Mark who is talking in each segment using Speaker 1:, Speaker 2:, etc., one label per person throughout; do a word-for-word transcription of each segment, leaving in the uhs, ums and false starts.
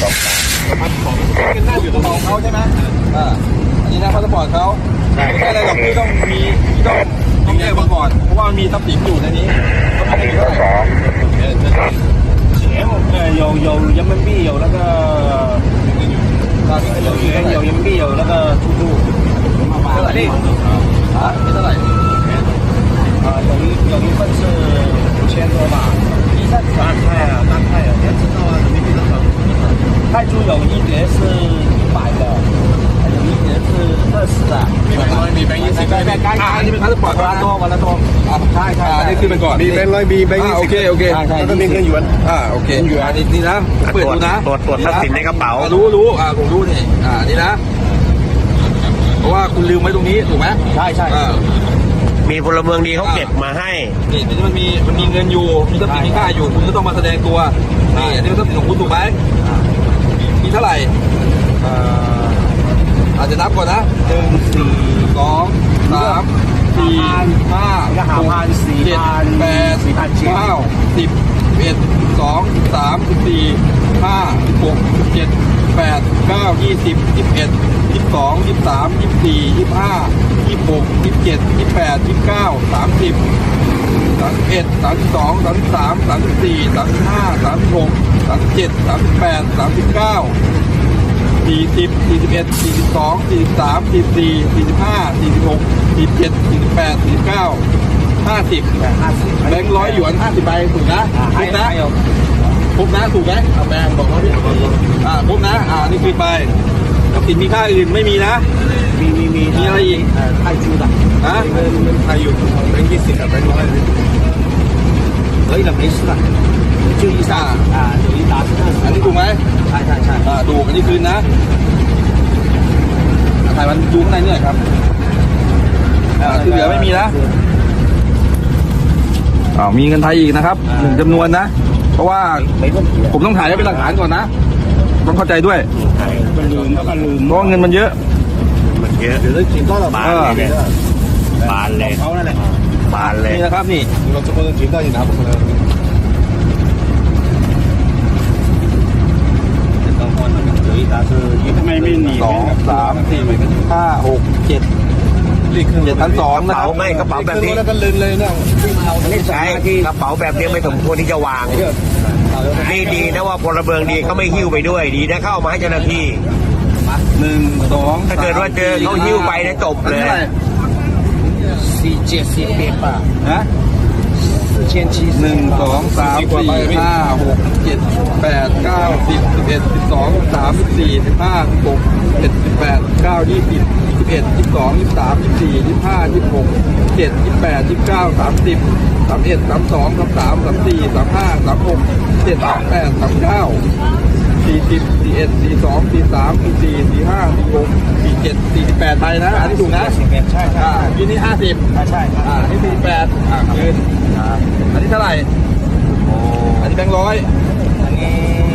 Speaker 1: พาสปอร์ตเป็นหน้าอยู่ตรงของเขาใช่ไหมอ่าอันนี้นะพาสปอร์ตเขาไม่ใช่อะไรหรอกที่ต้องมีที่ต้องต้องแยกมาก่อนเพราะว่ามีทรัพย์สินอยู่ในนี้ก็ไม่ได้เท่าไหร่
Speaker 2: 钱呃有有人民币有那个有元有人民币有那个出入
Speaker 1: เท่าไหร่ดิอ่าเท่าไหร่
Speaker 2: 啊有一有一份是五千多吧一三三泰啊三泰啊你要知道啊人民币多少泰铢有一叠是一百的还有一叠是二十的
Speaker 1: มีแบงค์ร้อยมีแบงค์ยี่สิบได้ไหมอ่าอันนี้เป็นพาสปอร์ต
Speaker 2: วันละตัววันละตัว
Speaker 1: อ่าใช่ใช่นี่คือเป็นก่อนมีแบงค์ร้อยมีแบงค์ยี่สิบโอเคโอเคแล้วก็มีเงินหยวนอ่าโอเคหยวนนี่นี่นะเปิดดูนะ
Speaker 3: ตรวจตรวจทรัพย์สินในกระเป๋า
Speaker 1: รู้รู้อ่าผมรู้นี่อ่านี่นะเพราะว่าคุณลืมไว้ตรงนี้ถูกไหม
Speaker 2: ใช่ใช่
Speaker 3: มีพลเมืองดีเขาเก็บมาให้
Speaker 1: นี่นี่มันมีมันมีเงินอยู่มีทรัพย์สินมีค่าอยู่คุณก็ต้องมาแสดงตัวนี่อันนี้ทรัพย์สินของคุณถูกไหมมีเท่าไหร่อาจจะนับก่อนนะหนึ่งสี่สองสามสี่ห้าหกเจ็ดแปดเก้าสิบเอ็ดสองสามสิบสี่ห้าสิบหกสิบเจ็ดแปดเก้ายี่สิบยี่สิบเอ็ดยี่สิบสองยี่สิบสามยี่สิบสี่ยี่สิบห้ายี่สิบหกยี่สิบเจ็ดยี่สิบแปดยี่สิบเก้าสามสิบสามสิบเอ็ดสามสิบสองสามสิบสามสามสิบสี่สามสิบห้าสามสิบหกสามสิบเจ็ดสามสิบแปดสามสิบเก้าสี่สิบสี่สิบเอ็ดสี่สิบสองสี่สิบสามสี่สิบสี่สี่สิบห้าสี่สิบหกสี่สิบเจ็ดสี่สิบแปดสี่สิบเก้าห้าสิบแบงค์ร้อยหยวนห้าสิบใบถูกนะถูกนะถูกนะถูกไหมแบงค์บอกเขาดิอ่าถูกนะอ่านี่คือไปทรัพย์สินมีค่าอื่นไม่มีนะ
Speaker 2: มีมีมี
Speaker 1: มีอะไรอีก
Speaker 2: 泰铢的
Speaker 1: ฮะเงินไทยอยู่แบงค์ยี่สิบกับแบงค์ร้อย
Speaker 2: 可以的没事的就一下啊有一沓是二十
Speaker 1: อันนี้ถูกไหม
Speaker 2: ใช่ใช่ใช่
Speaker 1: อ่าถูกอันนี้คืนนะถ่ายมันดูข้างในนี่หน่อยครับอ่าที่เหลือไม่มีนะอ่ามีเงินไทยอีกนะครับหนึ่งจำนวนนะเพราะว่าผมต้องถ่ายไว้เป็นหลักฐานก่อนนะต้องเข้าใจด้วย
Speaker 2: มันลืมแล้วก็ลืม
Speaker 1: เพราะเงินมันเยอะ
Speaker 3: มันเยอะ
Speaker 2: เดี๋ยวได้กินก็ระบาด
Speaker 3: เลยบานเลย
Speaker 2: เขานั่นแหละ
Speaker 3: บานเลย
Speaker 1: นี่นะครับนี่เราจะเปิดกินได้ยินนะผมเลย
Speaker 2: ไม่ไม่หนี
Speaker 1: สองสามสี่ห้าหกเจ็ดเจ็ดพันสองนะครั
Speaker 3: บไม่กระเป๋าแบบนี้
Speaker 1: แล้วก็ลืมเลยเนี่ย
Speaker 3: ใช่กระเป๋าแบบนี้ไม่สมควรที่จะวางนี่ดีนะว่าพลเมืองดีเขาไม่หิ้วไปด้วยดีนะเข้ามาให้เจ้าหน้าที่
Speaker 1: หนึ่งสอง
Speaker 3: ถ้าเกิดว่าเจอเขาหิ้วไปนะจบเลย
Speaker 2: สี่เจ็ดสี่แปดป่ะ
Speaker 1: ฮะ
Speaker 2: สี่เจ็ดสี่
Speaker 1: หนึ่งสองสามสี่ห้าหกเจ็ดแปดเก้าสิบสิบเอ็ดสิบสองสามสิบสี่สิบห้าสิบหกเจ็ดสิบแปดเก้ายี่สิบยี่สิบเอ็ดยี่สิบสองยี่สิบสามยี่สิบสี่ยี่สิบห้ายี่สิบหกเจ็ดยี่สิบแปดยี่สิบเก้าสามสิบสามเอ็ดสามสองสามสามสามสี่สามห้าสามหกเจ็ดสามแปดสามเก้าสี่สิบสี่เอ็ดสี่สองสี่สามสี่สี่สี่ห้าสี่หกสี่เจ็ดสี่สิบแปดไปนะอันนี้ถูกนะ
Speaker 2: สี่แปดใช่ใช่
Speaker 1: ยืนนี่ห้าสิบ
Speaker 2: ใช่ใช่
Speaker 1: อ่านี่สี่แปดอ่ายืนอันนี้เท่าไหร่อันนี้แบงค์ร้อย
Speaker 2: อันนี้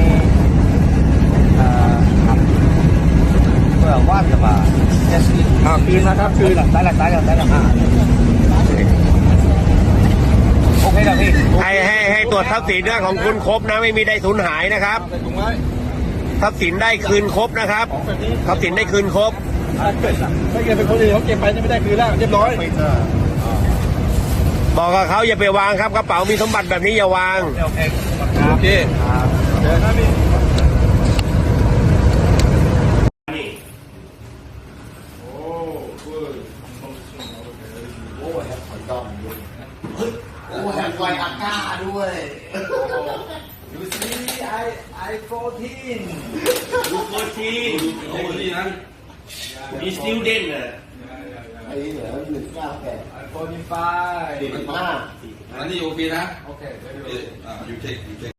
Speaker 2: อ่าเพื่อว่าจะมาเจ็ดสิบ
Speaker 1: อ่าคืนนะครับคืน
Speaker 2: ได้ละได้ละได้ละโอเคนะพี่
Speaker 3: ให้ให้ให้ตรวจทรัพย์สินเรื่องของคุณครบนะไม่มีได้สูญหายนะครับทรัพย์สินได้คืนครบนะครับทรัพย์สินได้คืนครบ
Speaker 1: ถ้าเกิดเป็นคนอื่นเขาเก็บไปจะไม่ได้คืนแล้วเรียบร้อย
Speaker 3: บอกกับเขาอย่าไปวางครับกระเป๋ามีสมบัติแบบนี้อย่าวาง
Speaker 1: โอเคเดี๋ยวนะพี่
Speaker 2: โอ้แถมไวอาก้าด้วยดูสิไอไอโฟทีน
Speaker 3: ดูโฟทีน
Speaker 1: โอ้ดีนะ
Speaker 3: มีสติลเด่นอ่ะ
Speaker 2: ไอ้เหลือหนึ่งเก้าแปดไอโฟนไฟ
Speaker 1: สี่สิบห้าอันนี้โอเคนะโอเคอ่ายูเทคยูเทค